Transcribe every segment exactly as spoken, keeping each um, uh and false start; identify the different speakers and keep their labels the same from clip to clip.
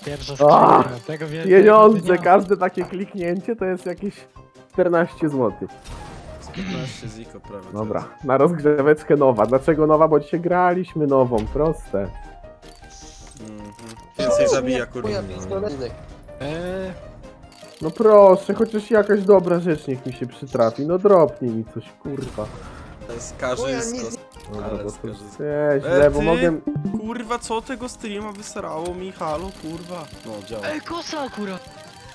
Speaker 1: Pierwsza
Speaker 2: Ah,
Speaker 1: skrzynka, tego wie-
Speaker 2: Pieniądze,
Speaker 1: tego dnia.
Speaker 2: każde takie kliknięcie to jest jakieś czternaście złotych.
Speaker 3: Z piętnaście ziko prawie. to
Speaker 2: Dobra, na rozgrzeweczkę nowa. Dlaczego nowa? Bo dzisiaj graliśmy nową, proste.
Speaker 3: jest. Mhm. Więcej zabija kurwa.
Speaker 1: Eee,
Speaker 2: No proszę, chociaż jakaś dobra rzecz niech mi się przytrafi. No dropnij mi coś, kurwa.
Speaker 3: To jest karzysko.
Speaker 2: Dobra,
Speaker 3: Ale
Speaker 2: bo to
Speaker 3: skarżysko.
Speaker 2: źle,
Speaker 3: E,
Speaker 2: bo
Speaker 3: ty?
Speaker 2: mogę...
Speaker 3: Kurwa, co tego streama wysrało mi? Halo, kurwa. No, działa.
Speaker 1: Ej, kosa akurat!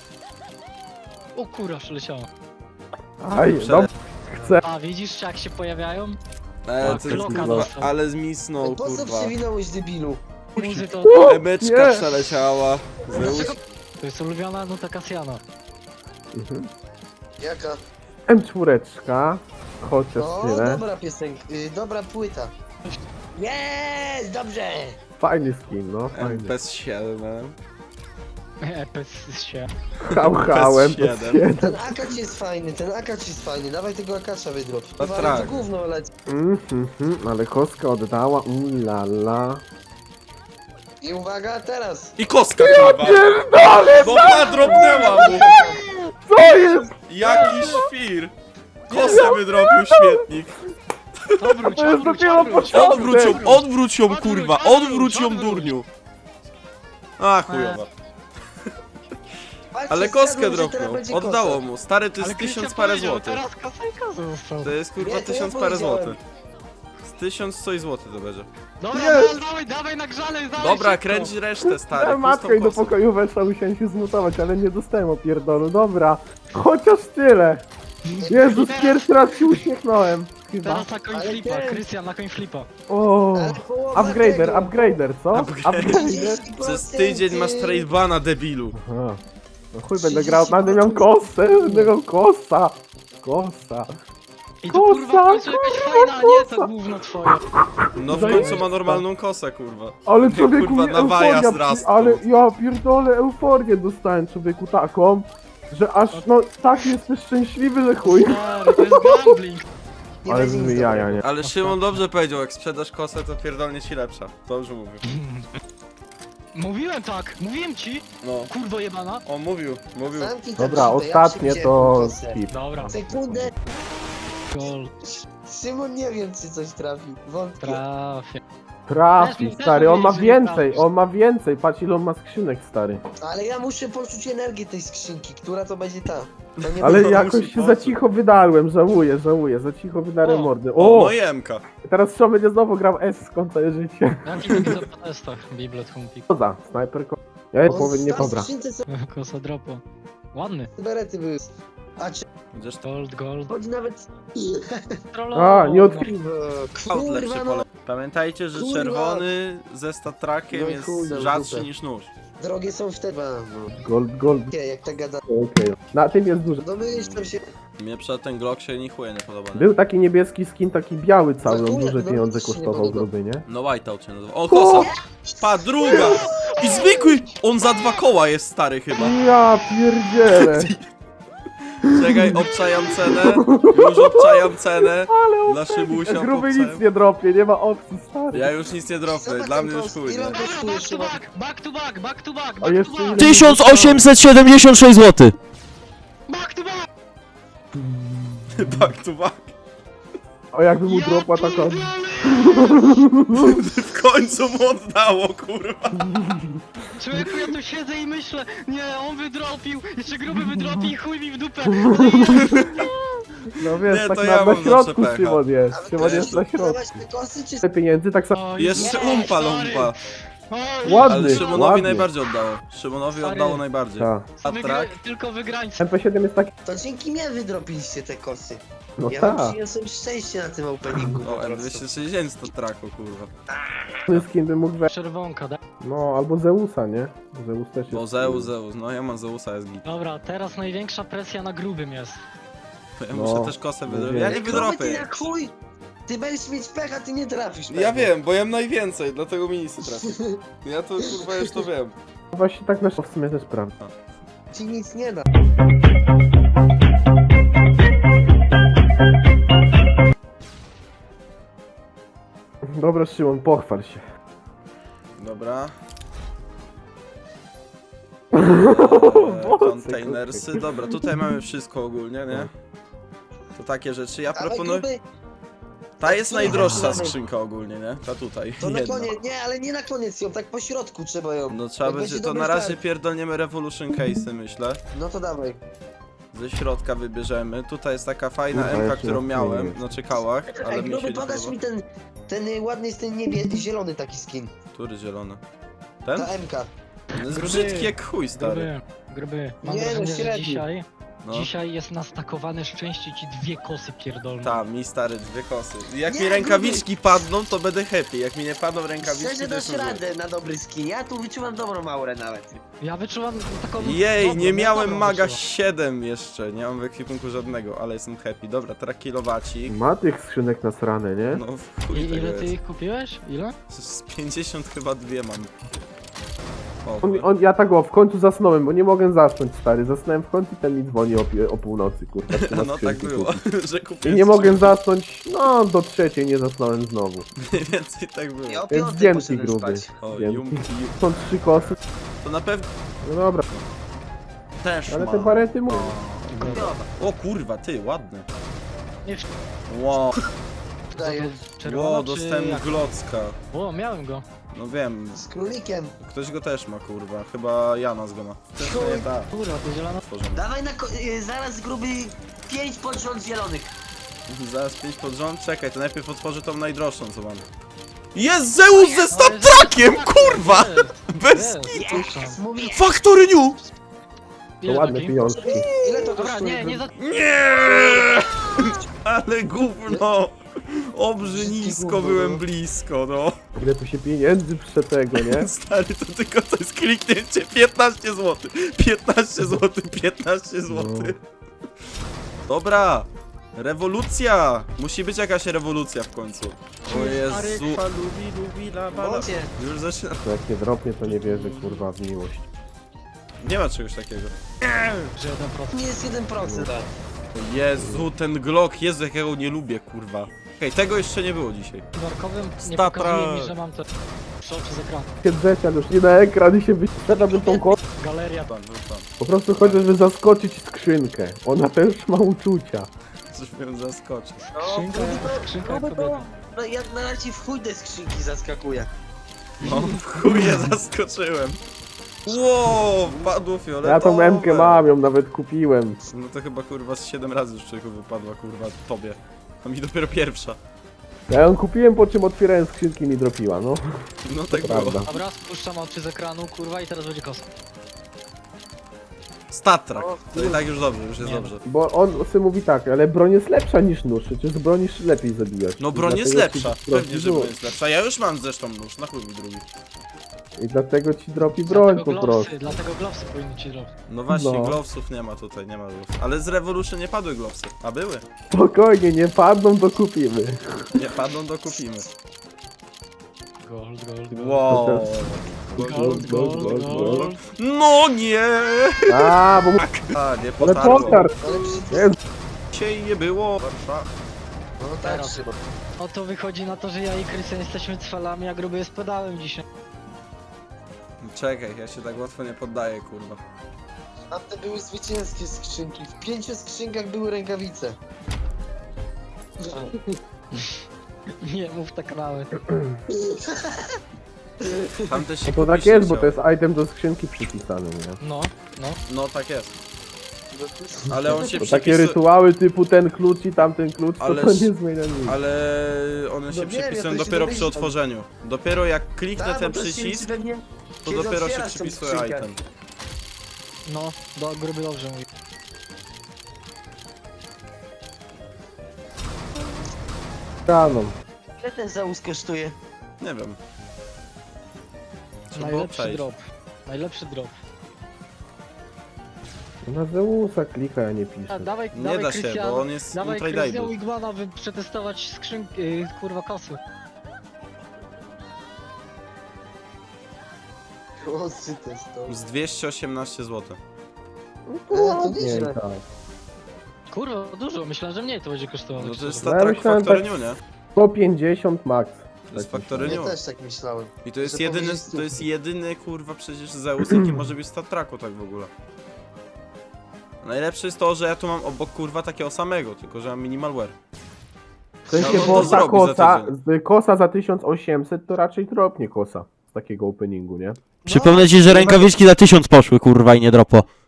Speaker 1: O kura, przeleciała.
Speaker 2: Aj, no, chcę.
Speaker 1: A widzisz jak się pojawiają?
Speaker 3: E,
Speaker 1: tak,
Speaker 3: ty,
Speaker 1: loka
Speaker 3: kurwa,
Speaker 1: dostał.
Speaker 3: ale zmisnął,
Speaker 4: Po co
Speaker 3: kurwa.
Speaker 4: przewinąłeś, debilu?
Speaker 1: Muzy to...
Speaker 2: O,
Speaker 3: Emeczka
Speaker 2: nie.
Speaker 3: przeleciała. Zeus.
Speaker 1: Dlaczego? To jest ulubiona nuta Kasjana.
Speaker 2: Mhm.
Speaker 4: Jaka?
Speaker 2: M cztery, chociaż
Speaker 4: No,
Speaker 2: tyle.
Speaker 4: dobra piosenka, y, dobra płyta. Jest, dobrze!
Speaker 2: Fajny skin, no, fajny.
Speaker 3: M P S siedem.
Speaker 1: E, pes się.
Speaker 2: Hał, hałem,
Speaker 3: P S siedem.
Speaker 4: Ten akacz jest fajny, ten akacz jest fajny, dawaj tego akacza wydrop.
Speaker 3: No
Speaker 4: Chyba
Speaker 3: tak.
Speaker 4: to gówno leci.
Speaker 2: Mhm, mhm, ale kostka oddała, ulala.
Speaker 4: I uwaga, teraz!
Speaker 3: I kostka, kurwa.
Speaker 2: Pierdolę,
Speaker 3: Bomba dropnęła mu.
Speaker 2: co jest?
Speaker 3: Jaki świr. Kosę wydrobił śmietnik.
Speaker 1: Odwróć,
Speaker 2: To jest
Speaker 1: odwróć,
Speaker 2: dopiero
Speaker 1: odwróć,
Speaker 2: początek.
Speaker 3: Odwróć ją, odwróć ją,
Speaker 1: Odwróć,
Speaker 3: kurwa.
Speaker 1: odwróć,
Speaker 3: Odwróć ją,
Speaker 1: odwróć.
Speaker 3: durniu. A, chujowa.
Speaker 4: Patrzcie,
Speaker 3: Ale koskę
Speaker 4: zgadłem, że teraz
Speaker 3: dropnął.
Speaker 4: będzie
Speaker 3: Oddało
Speaker 4: kosa.
Speaker 3: mu. Stary, to
Speaker 1: Ale
Speaker 3: jest tysiąc
Speaker 1: Krystian
Speaker 3: parę
Speaker 1: powiedział,
Speaker 3: złotych.
Speaker 1: Teraz kasa i kasa został.
Speaker 3: To jest kurwa
Speaker 4: Nie, to ja
Speaker 3: tysiąc parę
Speaker 4: powiedziałem.
Speaker 3: złotych. Z tysiąc coś złotych to będzie.
Speaker 1: Dobra,
Speaker 2: Jest.
Speaker 1: dawaj, dawaj na grzale, dawaj
Speaker 3: Dobra,
Speaker 1: szybko.
Speaker 3: kręć resztę, stary.
Speaker 2: Ja matkę i do
Speaker 3: pustą kosą.
Speaker 2: pokoju weszła, musiałem się zmutować, ale nie dostałem opierdolu. Dobra, chociaż tyle. Jezus, pierwszy raz się uśmiechnąłem. Chyba.
Speaker 1: Teraz na coin
Speaker 4: Ale
Speaker 1: flipa,
Speaker 4: ten-
Speaker 1: Krystian na coin flipa.
Speaker 2: O,
Speaker 4: Ale połowa
Speaker 2: upgrader,
Speaker 4: tego.
Speaker 2: upgrader, co?
Speaker 3: Upgrader.
Speaker 2: Upgrader.
Speaker 3: Przez tydzień masz trade bana, debilu.
Speaker 2: Aha. No chuj, będę grał, będę miał kosę, będę miał kosa. Kosa.
Speaker 1: I to
Speaker 2: Kosa,
Speaker 1: kurwa w końcu jakaś fajna, a nie ta gówno twoja.
Speaker 3: No w końcu ma normalną kosę, kurwa.
Speaker 2: Ale człowieku,
Speaker 3: Kurwa,
Speaker 2: nie,
Speaker 3: na waja
Speaker 2: euforia,
Speaker 3: zrastał.
Speaker 2: ale ja pierdolę euforię dostałem człowieku taką, że aż no tak jestem szczęśliwy, że chuj.
Speaker 1: Stary, to jest gambling.
Speaker 4: Nie
Speaker 2: Ale
Speaker 4: będzie nic
Speaker 2: z jaja,
Speaker 4: dobrego.
Speaker 2: nie.
Speaker 3: Ale Szymon dobrze powiedział, jak sprzedasz kosę, to pierdolnie ci lepsza. Dobrze mówił.
Speaker 1: Mówiłem tak, mówiłem ci,
Speaker 3: No.
Speaker 1: kurwo jebana.
Speaker 3: On mówił, mówił.
Speaker 4: Zamknij tam
Speaker 2: Dobra,
Speaker 4: szybę, ja
Speaker 2: ostatnie
Speaker 4: przewidziałem
Speaker 2: to
Speaker 4: kosę.
Speaker 2: skip.
Speaker 1: Dobra,
Speaker 4: Sekundę,
Speaker 1: gol,
Speaker 4: Szymon nie wiem czy coś trafi, wątpię.
Speaker 1: trafię.
Speaker 2: Trafi,
Speaker 1: Też
Speaker 2: stary, on ma
Speaker 1: mówiłeś, że nie
Speaker 2: więcej,
Speaker 1: trafisz.
Speaker 2: on ma więcej, patrz ile on ma skrzynek, stary.
Speaker 4: Ale ja muszę poczuć energię tej skrzynki, która to będzie ta. To nie
Speaker 2: Ale
Speaker 4: będzie-
Speaker 2: jakoś się za cicho wydarłem, żałuję, żałuję, za cicho wydarłem
Speaker 1: O.
Speaker 2: mordy.
Speaker 3: O,
Speaker 2: O,
Speaker 3: no i Emka.
Speaker 2: teraz Szymon będzie znowu grał S skończę życie.
Speaker 1: Jaki to widzę po testach, Biblet Humpik.
Speaker 2: Koza, snajperko. Ja jest
Speaker 4: O,
Speaker 2: powiem nie
Speaker 4: stary,
Speaker 2: dobra.
Speaker 4: skrzynce są
Speaker 1: Kosa dropo. Ładny.
Speaker 4: berety były. A czy
Speaker 3: Będziesz to
Speaker 1: Gold, gold.
Speaker 4: chodzi nawet...
Speaker 2: A, nie od...
Speaker 3: out lepszy
Speaker 4: Kurwa no,
Speaker 3: pole. Pamiętajcie, że
Speaker 4: Kurwa.
Speaker 3: czerwony ze statrakiem
Speaker 4: No i
Speaker 3: jest
Speaker 4: chuj, no,
Speaker 3: rzadszy
Speaker 4: dupę.
Speaker 3: niż nóż.
Speaker 4: drogie są wtedy, no.
Speaker 2: Gold, gold,
Speaker 4: Nie, jak tak gada.
Speaker 2: okej. Na tym jest duży.
Speaker 4: No myślę się...
Speaker 3: Mnie przed ten Glock się ni chuje nie podoba. Nie?
Speaker 2: Był taki niebieski skin, taki biały cały,
Speaker 4: No
Speaker 2: on
Speaker 4: chuj,
Speaker 2: duże
Speaker 4: no
Speaker 2: pieniądze
Speaker 4: mi się nie
Speaker 2: kosztował
Speaker 4: podoba.
Speaker 2: gruby, nie?
Speaker 3: No Whiteout się nazywa. O, kosa! Pa, druga! I zwykły! On za dwa koła jest stary chyba.
Speaker 2: Ja pierdzielę.
Speaker 3: Czekaj, obczajam cenę. Już obczajam cenę.
Speaker 2: Ale
Speaker 3: Dla Szymusia
Speaker 2: gruby
Speaker 3: popcałem.
Speaker 2: nic nie dropie, nie ma opcji, stary.
Speaker 3: Ja już nic nie dropnę,
Speaker 4: Zobacz
Speaker 3: dla
Speaker 4: ten
Speaker 3: mnie już
Speaker 4: post,
Speaker 3: chuj,
Speaker 4: ile
Speaker 3: nie?
Speaker 4: on kosztuje,
Speaker 1: Back to
Speaker 4: Szymon?
Speaker 1: back, back to back, back to back,
Speaker 2: A
Speaker 1: back
Speaker 2: jeszcze
Speaker 1: to
Speaker 2: ile-
Speaker 1: back.
Speaker 5: tysiąc osiemset siedemdziesiąt sześć złotych.
Speaker 1: Back to back!
Speaker 3: Back to back.
Speaker 2: O jakby mu
Speaker 1: Ja
Speaker 2: dropła taka...
Speaker 1: pierdolę!
Speaker 3: W końcu mu oddało, kurwa.
Speaker 1: Człowieku, ja tu siedzę i myślę, nie, on wydropił, jeszcze gruby wydropi i chuj mi w dupę.
Speaker 2: No wiesz,
Speaker 3: Nie,
Speaker 2: tak
Speaker 3: to
Speaker 2: na,
Speaker 3: ja
Speaker 2: na
Speaker 3: mam
Speaker 2: środku
Speaker 3: zawsze pecha.
Speaker 2: Szymon jest.
Speaker 4: Ale
Speaker 2: Szymon
Speaker 4: to
Speaker 2: jest na środku.
Speaker 4: Zobacz te kosy czy...
Speaker 2: Te pieniędzy tak samo...
Speaker 1: O,
Speaker 3: Jeszcze
Speaker 1: Jezu,
Speaker 3: umpa
Speaker 1: stary.
Speaker 3: lumpa.
Speaker 1: O,
Speaker 2: Ładny.
Speaker 3: Ale Szymonowi
Speaker 2: ładnie.
Speaker 3: najbardziej oddało. Szymonowi
Speaker 1: Stary.
Speaker 3: oddało najbardziej.
Speaker 2: Tak.
Speaker 3: A
Speaker 1: Wygry...
Speaker 3: trak?
Speaker 1: Tylko wygrańcy.
Speaker 2: M P siedem jest taki...
Speaker 4: To dzięki mnie wydropiliście te kosy.
Speaker 2: No
Speaker 4: Ja wam
Speaker 2: tak.
Speaker 4: przyniosłem szczęście na tym openingu.
Speaker 3: O,
Speaker 4: po
Speaker 3: M
Speaker 4: prostu.
Speaker 3: dwieście sześćdziesiąt to traku, kurwa.
Speaker 2: Skin by mógł we...
Speaker 1: Czerwonka, da?
Speaker 2: No, albo Zeusa, nie? Zeus też jest...
Speaker 3: Bo Zeus, Zeus, no ja mam Zeusa, jest git.
Speaker 1: Dobra, teraz największa presja na grubym jest.
Speaker 3: To ja
Speaker 2: No,
Speaker 3: muszę też kosę
Speaker 2: no
Speaker 3: wydrobić.
Speaker 2: wiem.
Speaker 3: Ja nie
Speaker 4: Gruby, ty
Speaker 3: wydropię.
Speaker 4: jak chuj! Ty będziesz mieć pecha, ty nie trafisz.
Speaker 3: Ja
Speaker 4: pewnie.
Speaker 3: wiem, bo ja mam najwięcej, dlatego minisy trafię. Ja to kurwa już to wiem.
Speaker 2: Właśnie tak na w sumie też prawda.
Speaker 4: Ci nic nie da.
Speaker 2: Dobra, Szymon, pochwal się.
Speaker 3: Dobra. Eee, Containersy, dobra, tutaj mamy wszystko ogólnie, nie? To takie rzeczy, ja
Speaker 4: Ale
Speaker 3: proponuję...
Speaker 4: gruby,
Speaker 3: Ta jest najdroższa
Speaker 4: Mamy.
Speaker 3: skrzynka ogólnie, nie? Ta tutaj,
Speaker 4: to na
Speaker 3: jedna.
Speaker 4: koniec, nie, ale nie na koniec ją, tak po środku trzeba ją.
Speaker 3: No trzeba
Speaker 4: Jak
Speaker 3: będzie, to
Speaker 4: dobry
Speaker 3: na razie
Speaker 4: start.
Speaker 3: pierdolniemy Revolution Case'y, myślę.
Speaker 4: No to dawaj.
Speaker 3: Ze środka wybierzemy. Tutaj jest taka fajna
Speaker 2: Kurwa,
Speaker 3: M K,
Speaker 2: jeszcze
Speaker 3: którą
Speaker 2: nie
Speaker 3: miałem,
Speaker 2: jest.
Speaker 3: na czekałach, ale
Speaker 4: Ej,
Speaker 3: mi się
Speaker 4: gruby,
Speaker 3: nie
Speaker 4: podasz
Speaker 3: podoba.
Speaker 4: mi ten, ten y, ładny jest ten niebie, zielony taki skin.
Speaker 3: Który zielony? Ten?
Speaker 4: Ta M K.
Speaker 3: On jest
Speaker 1: Gruby.
Speaker 3: brzydki jak chuj, stary.
Speaker 1: Gruby, gruby. Mam
Speaker 4: Nie, no,
Speaker 1: wrażenie, że
Speaker 4: średni.
Speaker 1: dzisiaj,
Speaker 3: No.
Speaker 1: dzisiaj jest nastakowane szczęście ci dwie kosy pierdolne.
Speaker 3: Ta, mi stary, dwie kosy. Jak
Speaker 4: Nie,
Speaker 3: mi rękawiczki padną, to będę happy. Jak mi nie padną rękawiczki,
Speaker 4: Szczerze
Speaker 3: to
Speaker 4: dasz
Speaker 3: jestem zły.
Speaker 4: radę na dobry skin, ja tu wyczuwam dobrą aurę nawet.
Speaker 1: Ja wyczuwam taką...
Speaker 3: Jej,
Speaker 1: dobrą,
Speaker 3: nie
Speaker 1: no,
Speaker 3: miałem
Speaker 1: dobrą
Speaker 3: maga
Speaker 1: wyczuwam.
Speaker 3: siedem jeszcze, nie mam w ekwipunku żadnego, ale jestem happy. Dobra, teraz kilowacik.
Speaker 2: Ma tych skrzynek nasrane, nie?
Speaker 3: No w chuj
Speaker 1: I,
Speaker 3: tego
Speaker 1: ile ty
Speaker 3: jest.
Speaker 1: ich kupiłeś? Ile?
Speaker 3: Z pięćdziesiąt chyba dwie mam. O,
Speaker 2: On, on, ja tak o, w końcu zasnąłem, bo nie mogę zasnąć, stary. Zasnąłem w końcu i ten mi dzwoni o, pie- o północy, kurwa. trzyma
Speaker 3: no tak
Speaker 2: skrzynki,
Speaker 3: było,
Speaker 2: kurwa.
Speaker 3: że
Speaker 2: I
Speaker 3: kupiłem
Speaker 2: nie mogę
Speaker 3: skrzynkę.
Speaker 2: zasnąć, no do trzeciej nie zasnąłem znowu.
Speaker 3: Mniej więcej tak było.
Speaker 4: Ja o
Speaker 2: Więc
Speaker 4: piątej
Speaker 2: dzięki,
Speaker 4: poszedłem
Speaker 2: gruby.
Speaker 4: spać.
Speaker 3: O,
Speaker 2: Wiem.
Speaker 3: jumki, jum-
Speaker 2: Są trzy kosy,
Speaker 3: To na pewno
Speaker 2: no dobra.
Speaker 3: też
Speaker 2: Ale
Speaker 3: ma.
Speaker 2: te barety mówię.
Speaker 3: O kurwa, ty, ładny.
Speaker 1: Nie
Speaker 3: Wow,
Speaker 4: Daję.
Speaker 1: czerwono
Speaker 3: wow,
Speaker 1: czy
Speaker 3: dostałem
Speaker 1: jak?
Speaker 3: glocka.
Speaker 1: O, miałem go.
Speaker 3: No wiem,
Speaker 4: Z królikiem.
Speaker 3: ktoś go też ma, kurwa. Chyba Janas go ma. Też
Speaker 4: Chuj.
Speaker 3: nie da.
Speaker 1: Kurwa, to zielona...
Speaker 3: Tworzymy.
Speaker 4: Dawaj na ko- y, zaraz gruby pięć pod rząd zielonych.
Speaker 3: Zaraz pięć pod rząd, czekaj, to najpierw otworzę tą najdroższą, co mam. Jest Zeus ze
Speaker 1: Ale
Speaker 3: stattrakiem,
Speaker 1: jest-
Speaker 3: kurwa!
Speaker 1: jest,
Speaker 3: Bez
Speaker 1: jest,
Speaker 3: kitu!
Speaker 1: puszczam.
Speaker 4: Mówi,
Speaker 3: Factory New!
Speaker 2: To
Speaker 1: Ile
Speaker 2: ładne
Speaker 1: taki?
Speaker 2: pieniążki.
Speaker 4: ile to
Speaker 1: Dobra,
Speaker 4: kosztuje?
Speaker 1: nie, nie za...
Speaker 3: Nie! Ale gówno! Obrze nisko, byłem blisko, no.
Speaker 2: Ile tu się pieniędzy prze tego, nie?
Speaker 3: Stary, to tylko to jest kliknięcie. piętnaście złotych. piętnaście złotych, piętnaście złotych. Dobra. Rewolucja! Musi być jakaś rewolucja w końcu. O Jezu. Lubi, lubi, la, la, la.
Speaker 4: Bocie.
Speaker 3: Już zaczyna.
Speaker 2: To jak nie dropnie, to nie wierzę, kurwa, w miłość.
Speaker 3: Nie ma czegoś takiego.
Speaker 1: Że jeden procent.
Speaker 4: Nie jest jeden procent.
Speaker 3: Jezu, ten Glock, Jezu, jakiego nie lubię, kurwa. Okej, tego jeszcze nie było dzisiaj.
Speaker 1: Warkowym nie
Speaker 3: Statra.
Speaker 1: pokazuje mi, że mam te... Szok przez ekran.
Speaker 2: Siedzeć, ale już nie na ekran i się wyświetlałbym tą kosę.
Speaker 1: Galeria.
Speaker 3: Tam, tam.
Speaker 2: Po prostu chodzi, żeby zaskoczyć skrzynkę. Ona też ma uczucia.
Speaker 3: Coś mnie zaskoczy.
Speaker 4: No,
Speaker 1: Skrzynka,
Speaker 4: gruby to-
Speaker 1: skrzynka jak
Speaker 4: gruby to-
Speaker 1: kobieta.
Speaker 4: No ja na razie w chuj te skrzynki zaskakuje.
Speaker 3: No, w chuje zaskoczyłem. Wow, padło fioletowe.
Speaker 2: Ja tą M-kę mam, ją nawet kupiłem.
Speaker 3: No to chyba kurwa z siedem razy już człowieku wypadła kurwa tobie. A mi dopiero pierwsza.
Speaker 2: Ja ją kupiłem, po czym otwierałem skrzynki i mi dropiła, no.
Speaker 3: No tak było.
Speaker 2: Prawda.
Speaker 1: Dobra, spuszczam oczy z ekranu, kurwa, i teraz będzie kosa.
Speaker 3: Statrak. To i tak już dobrze, już jest
Speaker 1: Nie.
Speaker 3: dobrze.
Speaker 2: Bo on sobie mówi tak, ale broń jest lepsza niż nóż, przecież z broni lepiej zabijać.
Speaker 3: No
Speaker 2: I
Speaker 3: broń jest
Speaker 2: dlatego ci
Speaker 3: lepsza.
Speaker 2: dropi
Speaker 3: Pewnie, że
Speaker 2: nóż.
Speaker 3: broń jest lepsza. Ja już mam zresztą nóż, na chuj mi drugi.
Speaker 2: I dlatego ci dropi broń
Speaker 1: Dlatego
Speaker 2: po prostu.
Speaker 1: glowsy, dlatego glowsy powinny ci dropić.
Speaker 3: No właśnie,
Speaker 2: No.
Speaker 3: glowsów nie ma tutaj, nie ma glowsów. Ale z Revolution nie padły glowsy. A były.
Speaker 2: Spokojnie, nie padną, to kupimy.
Speaker 3: Nie padną, to kupimy.
Speaker 1: Gold, gold, gold.
Speaker 3: Wow.
Speaker 1: Gold, gold, gold, gold.
Speaker 3: No nie!
Speaker 2: A, bo mu...
Speaker 3: A, nie
Speaker 2: Ale
Speaker 3: potarło.
Speaker 2: potar!
Speaker 4: Ale przecież...
Speaker 2: Jest.
Speaker 3: Dzisiaj nie było. Warszawa.
Speaker 4: No tak,
Speaker 1: Teraz.
Speaker 4: trzeba.
Speaker 1: O to wychodzi na to, że ja i Krystian jesteśmy cwalami, a gruby jest pedałem dzisiaj.
Speaker 3: Czekaj, ja się tak łatwo nie poddaję, kurwa.
Speaker 4: A te były zwycięskie skrzynki. W pięciu skrzynkach były rękawice.
Speaker 1: Nie mów tak nawet.
Speaker 3: Tam też się
Speaker 2: No to tak
Speaker 3: kupić
Speaker 2: jest,
Speaker 3: nie
Speaker 2: bo to
Speaker 3: chciało.
Speaker 2: jest item do skrzynki przypisany, nie?
Speaker 1: No, no.
Speaker 3: No tak jest. Ale on się
Speaker 2: To takie
Speaker 3: przypisuje...
Speaker 2: rytuały typu ten klucz i tamten klucz, to
Speaker 3: Ależ-
Speaker 2: to nie zmienia nic.
Speaker 3: Ale one się
Speaker 4: No wiem, ja
Speaker 3: przypisują
Speaker 4: to się
Speaker 3: dopiero przy
Speaker 4: domyślam.
Speaker 3: otworzeniu. Dopiero jak kliknę
Speaker 4: Tak,
Speaker 3: ten
Speaker 4: bo to się
Speaker 3: przycisk,
Speaker 4: pewnie-
Speaker 3: to
Speaker 4: kiedy
Speaker 3: dopiero się
Speaker 4: otwierasz tą
Speaker 3: przypisuje
Speaker 4: skrzynkę.
Speaker 3: item.
Speaker 1: No, do, gruby dobrze mówi.
Speaker 2: Rano.
Speaker 4: Ile ten Zeus kosztuje?
Speaker 3: Nie wiem. Trzeba
Speaker 1: Najlepszy
Speaker 3: przejść.
Speaker 1: drop. Najlepszy drop.
Speaker 2: Na Zeusa klika, ja nie piszę.
Speaker 1: A, dawaj,
Speaker 3: Nie
Speaker 1: dawaj
Speaker 3: da się,
Speaker 1: Krystian,
Speaker 3: bo on jest
Speaker 1: dawaj Krystian
Speaker 3: untradeable.
Speaker 1: Wigmana, by przetestować skrzynki, yy, kurwa kosy.
Speaker 4: O, czy to jest to?
Speaker 3: Z dwieście osiemnaście złotych.
Speaker 2: No
Speaker 4: to
Speaker 2: ładnie,
Speaker 4: nieźle.
Speaker 2: tak.
Speaker 1: Kurwa, dużo, myślałem, że mniej to będzie kosztowało.
Speaker 3: No to jest
Speaker 2: No ja
Speaker 3: Star Trek
Speaker 2: myślałem
Speaker 3: Factory
Speaker 2: tak-
Speaker 3: New, nie?
Speaker 2: sto pięćdziesiąt max.
Speaker 3: To jest
Speaker 2: Tak
Speaker 3: Factory
Speaker 4: Ja
Speaker 3: New.
Speaker 4: też tak myślałem.
Speaker 3: I to jest
Speaker 4: że
Speaker 3: jedyny,
Speaker 4: powiedzieć
Speaker 3: to jest
Speaker 4: stówki.
Speaker 3: jedyny kurwa przecież Zeus, jaki może być w Star Treku tak w ogóle. Najlepsze jest to, że ja tu mam obok kurwa takiego samego, tylko że mam minimalware.
Speaker 2: W sensie,
Speaker 3: No, on
Speaker 2: bo
Speaker 3: to
Speaker 2: ta
Speaker 3: zrobi za
Speaker 2: kosa,
Speaker 3: tydzień.
Speaker 2: z- kosa za tysiąc osiemset to raczej dropnie kosa z takiego openingu, nie?
Speaker 5: Przypomnę ci, że rękawiczki za tysiąc poszły, kurwa, i nie dropo.